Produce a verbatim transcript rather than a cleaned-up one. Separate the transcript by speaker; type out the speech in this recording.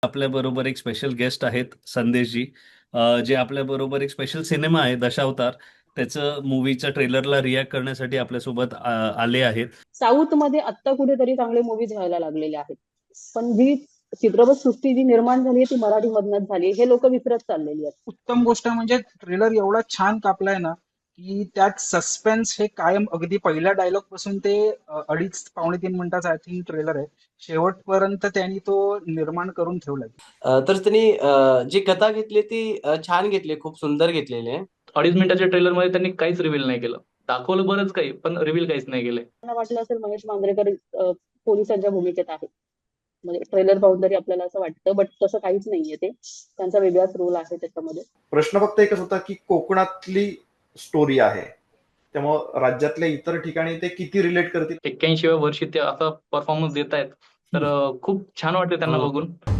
Speaker 1: आपल्या बरोबर एक स्पेशल गेस्ट आहेत संदेशजी, अ, जे आपल्या बरोबर एक स्पेशल सिनेमा आहे दशावतार, त्याचं मूवीच्या ट्रेलरला रिॲक्ट करण्यासाठी आपल्यासोबत अ, आले आहेत.
Speaker 2: साऊथ मध्ये आत्ता कुठेतरी चांगले मूवीज व्हायला लागलेले आहेत, पण जी चित्रपट सृष्टी जी निर्माण झाली आहे ती मराठी मधनच झाली हे लोक विसरत चाललेली आहेत.
Speaker 3: उत्तम गोष्ट म्हणजे ट्रेलर एवढा छान कापलाय ना की त्यात सस्पेन्स हे कायम अगदी पहिल्या डायलॉग पासून ते अ, अडीच पावणे तीन मिनिटाचा आय थिंक ट्रेलर आहे, शेवटपर्यंत त्यांनी तो निर्माण करून ठेवलाय.
Speaker 4: अ, तर त्यांनी अ, जी कथा घेतली ती अ, छान घेतली, खूप सुंदर घेतलेली आहे.
Speaker 5: अडीच मिनिटाच्या ट्रेलरमध्ये त्यांनी काहीच रिव्हील नाही केलं. दाखवलं बरंच काही, पण रिव्हील काहीच नाही केलंय.
Speaker 2: मला वाटलं असेल महेश मांजरेकर अ, पोलिसांच्या भूमिकेत आहेत, म्हणजे ट्रेलर पाहून तरी आपल्याला असं वाटतं, बट तसं काहीच नाहीये. ते त्यांचा वेगळाच रोल आहे त्याच्यामध्ये.
Speaker 6: प्रश्न फक्त एकच होता की कोकणातली स्टोरी आहे, त्यामुळं राज्यातल्या इतर ठिकाणी ते किती रिलेट करतील.
Speaker 5: एक्क्याऐंशीव्या वर्षी ते असा परफॉर्मन्स देत आहेत, तर अ, खूप छान वाटते त्यांना
Speaker 1: हो.
Speaker 5: बघून.